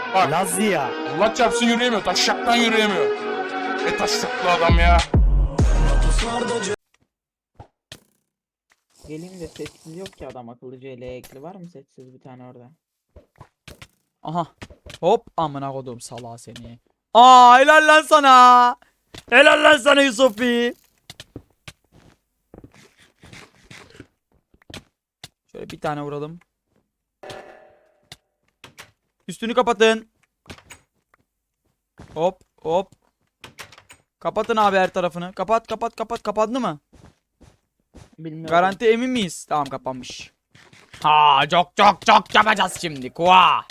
Bak. Lazia. Allah çarpsın yürüyemiyor. Taşşaktan yürüyemiyor. Taşşaklı adam ya. Geleyim de sessiz yok ki adam akıllı CL ekli var mı sessiz bir tane orada? Aha. Hop amına kodum salağı seni. Aa helal lan sana. Helal lan sana Yusufi. Şöyle bir tane vuralım. Üstünü kapatın. Hop hop. Kapatın abi her tarafını. Kapat kapat kapat. Kapandı mı? Bilmiyorum. Garanti emin miyiz? Tamam kapanmış. Ha çok çok çok yapacağız şimdi. Kua.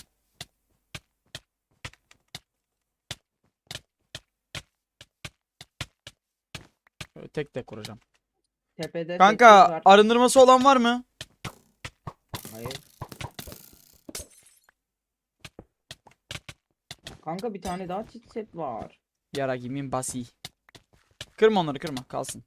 Böyle tek tek kuracağım. Tepede Kanka sessiz var. arındırması olan var mı? Hayır. Kanka bir tane daha çift set var. Yara gimin basi. Kırma onları kırma kalsın.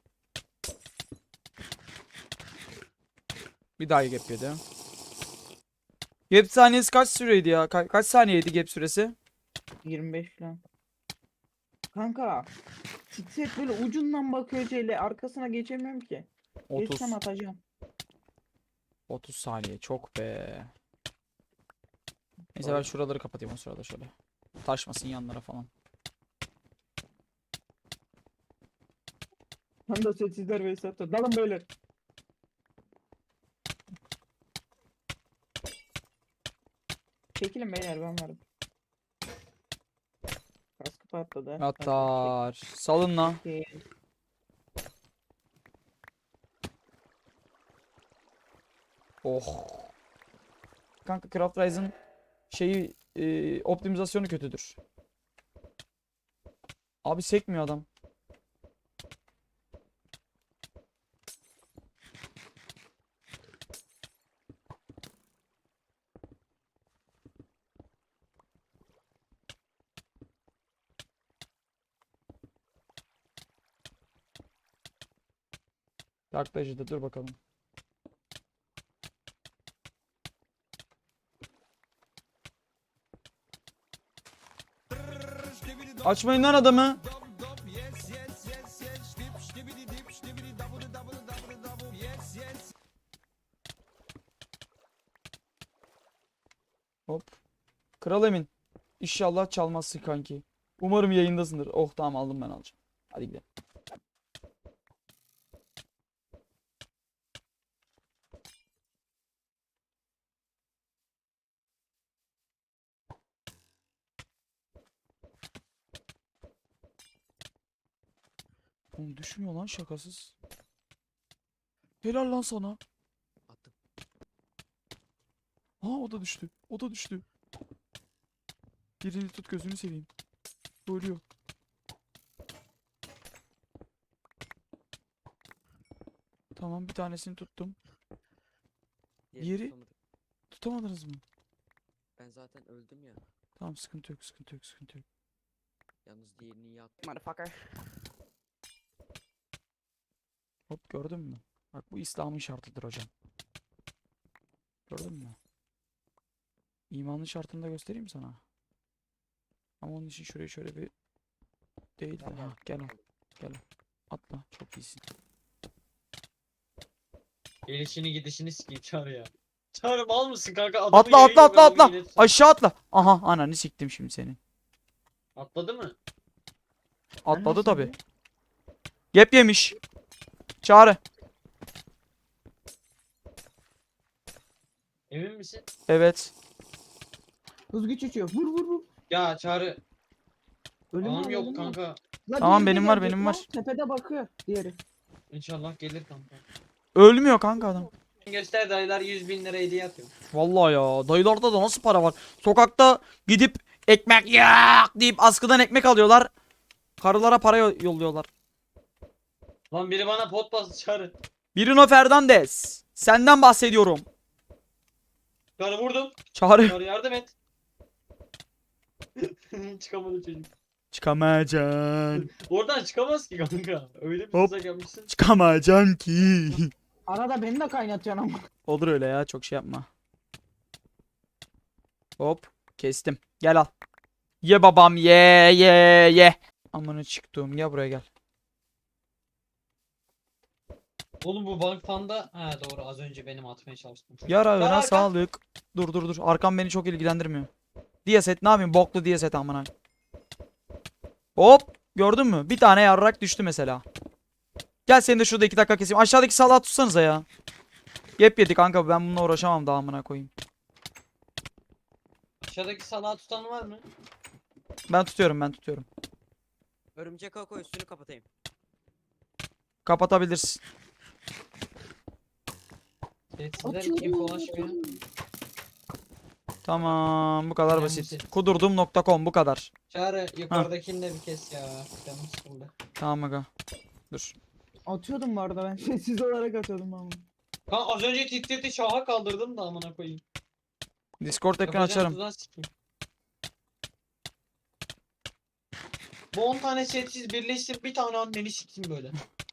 Bir daha gap yedi. Gap saniyesi kaç süreydi ya? Kaç saniyeydi gap süresi? 25 falan. Kanka çift set böyle ucundan bakıyor CL arkasına geçemiyorum ki. 30. Geçsem atacağım. 30 saniye çok be. Neyse ben şuraları kapatayım o sırada şöyle. Taşmasın yanlara falan. Tam da sessizler ve satır. Dalın böyle. Çekilin beyler ben varım. Kaskı patladı. Atar. Salın la. Çekil. Oh. Kanka Craft Rise'ın şeyi optimizasyonu kötüdür. Abi sekmiyor adam. Yaklaşık dur bakalım. Açmayın lan adamı. Hop. Kral Emin. İnşallah çalmazsın kanki. Umarım yayındasındır. Oh tamam aldım ben alacağım. Hadi gidelim. Oğlum düşmüyor lan şakasız. Helal lan sana. Attım. Ha o da düştü. O da düştü. Birini tut gözünü seveyim. Ölüyor. Tamam bir tanesini tuttum. Diğerini Yeri- tutamadım. Tutamadınız mı? Ben zaten öldüm ya. Tamam sıkıntı yok sıkıntı yok sıkıntı yok. Yalnız diğerini iyi attım. Motherfucker. Hop gördün mü? Bak bu İslam'ın şartıdır hocam. Gördün mü? İmanın şartını da göstereyim sana. Ama onun için şurayı şöyle bir değil de. Ha, gel al. Gel al. Atla. Çok iyisin. Gelişini gidişini sikeyim Çağrı ya. Çağrı mal mısın kanka? Adamı Atla yere atla atla yiyor, adamı atla. yine tutar. Aşağı atla. Aha ananı siktim şimdi seni. Atladı mı? Atladı nasıl tabi. oluyor? Yep yemiş. Çağrı. Emin misin? Evet. Hız güç uçuyor. Vur vur vur. Ya Çağrı. Ölüm Anam var, yok ölüm var. kanka. La Tamam, diğeri de benim var, gelecek benim lan. var. Tepede bakıyor diğeri. İnşallah gelir kanka. Ölmüyor kanka adam. Göster dayılar 100.000 lira hediye atıyor. Vallahi ya. Dayılarda da nasıl para var? Sokakta gidip ekmek yak deyip askıdan ekmek alıyorlar. Karılara para yolluyorlar. Lan biri bana pot bastı Çağrı. Bruno Fernandes. Senden bahsediyorum. Çağrı vurdum. Çağrı. Çağrı yardım et. Çıkamadı çocuk. Çıkamayacaksın. Oradan çıkamaz ki kanka. Öyle bir Hop. tuzak yapmışsın. Çıkamayacaksın ki. Arada beni de kaynatıyorsun ama. Olur öyle ya. Çok şey yapma. Hop. Kestim. Gel al. Ye babam ye ye ye. Amına çıktım. Gel buraya gel. Oğlum bu Bank Panda. Ha doğru, az önce benim atmaya çalıştım. Yarağına arka. sağlık. Dur dur dur. Arkam beni çok ilgilendirmiyor. Diyaset ne yapayım? Boklu diyaset amına. Hop. Gördün mü? Bir tane yarrak düştü mesela. Gel seni de şurada 2 dakika keseyim. Aşağıdaki salağı tutsanıza ya. Yep yedi kanka, ben bununla uğraşamam daha amına koyayım. Aşağıdaki salağı tutan var mı? Ben tutuyorum. Örümcek ağı koy, üstünü kapatayım. Kapatabilirsin. Sessizler infolaşmıyor. Tamam, bu kadar Önemli basit. şey. Kudurdum.com bu kadar. Çağrı yukarıdakini de bir kes ya. Canım sıkıldı. Tamam aga. Dur. Atıyordum bu arada ben. Sessiz olarak atıyordum ama. Kanka az önce titreti şaha kaldırdım da amına koyayım. Discord ekran Yapacağım açarım. tuzağa sikeyim. Bu 10 tane sessiz birleştir, bir tane anneni sikeyim böyle.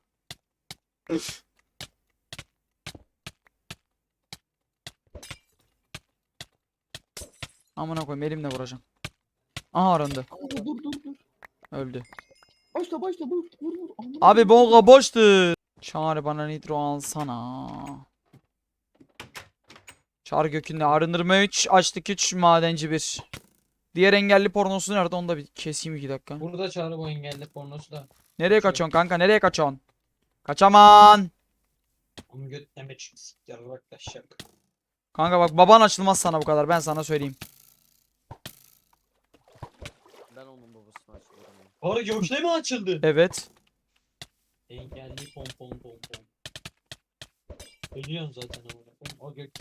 Amına koyayım, elimle vuracağım. Aha arındı. Dur. Öldü. Başla vur. Aman Abi bonga boştu. Çağrı bana nitro alsana. Çağrı gökünde arındırma 3, açlık 3, madenci 1. Diğer engelli pornosu nerede, onu da bir keseyim 2 dakika. Burada Çağrı bu engelli pornosu da. Nereye kaçıyorsun kanka, nereye kaçıyorsun? Kaçaman. Onun götleme çıktı siktir arkadaşlar. Kanka bak, baban açılmaz sana bu kadar, ben sana söyleyeyim. Ben onun babasını açıyorum. ya. Çağrı gökleme açıldı. Evet. Engelli pom. Ölüyorsun zaten amına koyayım. O gök.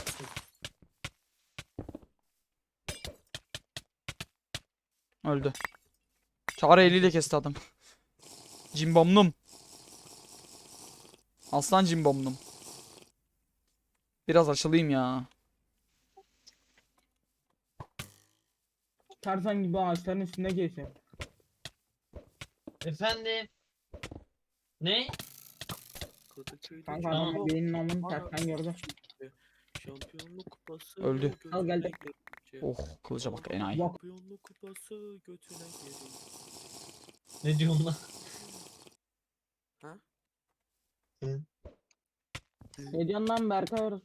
Öldü. Çağrı eliyle kesti adam. Cimbomlum. Aslan cimbomlum. Biraz açılayım ya. Tarzan gibi ağaçların üstünde geziyor. Efendim. Ne? Kanka Tamam. adam benim namını tersten gördü. Şampiyonluk kupası. Öldü. Al geldi. Oh, kılıca bak enayi. Bak. Şampiyonluk kupası götüne geri. Ne diyorsun lan? Ne diyorsun lan Berkay orası?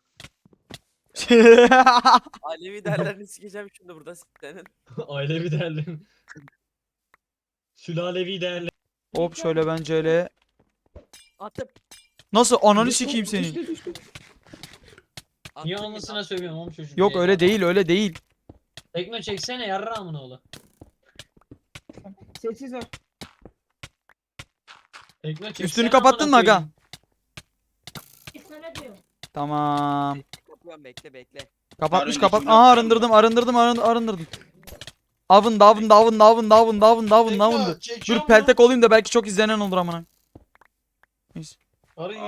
Alevi derlerini sikeceğim şimdi burada senin. Ailevi değerli. Sülalevi değerli. Hop şöyle bence öyle. Attım. Nasıl, ananı sikeyim senin. Düştü. Niye Attım anlasına yine. sövüyorum oğlum çocuk. Yok öyle değil, öyle değil. Tekno çeksene yarrağımın oğlu. Sessiz ol. Tekno çeksene. Üstünü kapattın mı amına aga? koyayım. Tamam. Kapıyorum, bekle. Kapatmış önceki kapat. gün Aha yapacağım arındırdım. Avın. Dur Çekiyor mu? peltek olayım da belki çok izlenen olur amına. Neyse. Arı